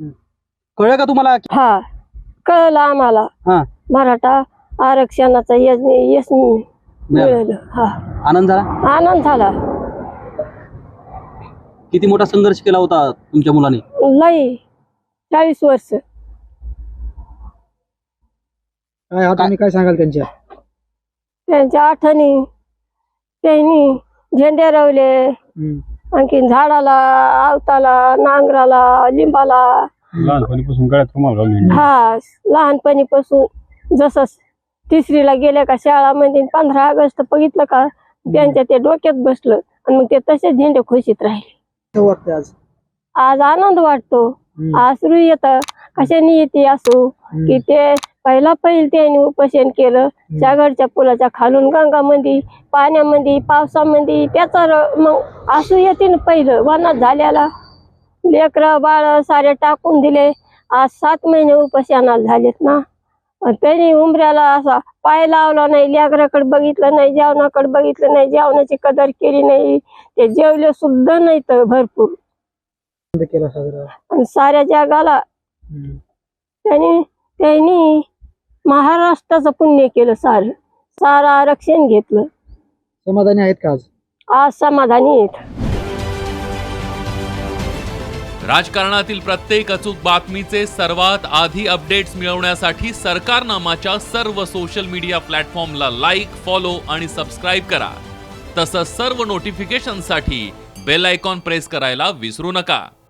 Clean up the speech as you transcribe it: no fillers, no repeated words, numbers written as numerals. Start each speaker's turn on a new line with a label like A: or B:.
A: कळलं का तुम्हाला?
B: हा कळलं आम्हाला.
A: हा,
B: मराठा आरक्षणाचा यश मिळालं. हा
A: आनंद झाला.
B: आनंद झाला.
A: किती मोठा संघर्ष केला होता तुमच्या मुलाने?
B: लई 40 वर्ष.
C: काय आठवणी काय सांगाल त्यांच्या?
B: त्यांच्या आठवणी, त्यांनी झेंडे रवले, आणखीन झाडाला, आवताला, नांगराला, लिंबाला.
D: लहानपणीपासून गळ्यात रुमाल घालून.
B: हा लहानपणीपासून जसं 3रीला गेल्या का शाळामध्ये 15 ऑगस्ट बघितलं का त्यांच्या ते डोक्यात बसलं आणि मग ते तसेच झेंडे खुशीत राहिले.
C: वाटतं आज?
B: आज आनंद वाटतो. आसरू येतं. कशाने येते असू की ते पहिला त्यांनी उपोषण केलं जागडच्या पुलाच्या खालून गंगामध्ये, पाण्यामध्ये, पावसामध्ये. त्याचा मग आसू येते ना. पहिलं वनात झाल्याला लेकर बाळ सारे टाकून दिले. आज 7 महिने उपोषणाला झालेत ना. त्यांनी उमऱ्याला असा पाय लावला नाही, लेकराकडे बघितलं नाही, जेवणाकडे बघितलं नाही, जेवणाची कदर केली नाही. ते जेवले सुद्धा नाही तर भरपूर
C: केला साजरा.
B: आणि साऱ्या जगाला त्यांनी महाराष्ट्राचं पुण्य केलं. सारं आरक्षण घेतलं.
C: समाधानी आहेत का आज?
B: आज समाधानी आहेत.
E: राजकारणातील प्रत्येक अचूक बातमीचे सर्वात आधी अपडेट्स मिळवण्यासाठी सरकारनामाच्या सर्व सोशल मीडिया प्लॅटफॉर्मला लाईक, फॉलो आणि सबस्क्राईब करा. तसंच सर्व नोटिफिकेशनसाठी बेल आयकॉन प्रेस करायला विसरू नका.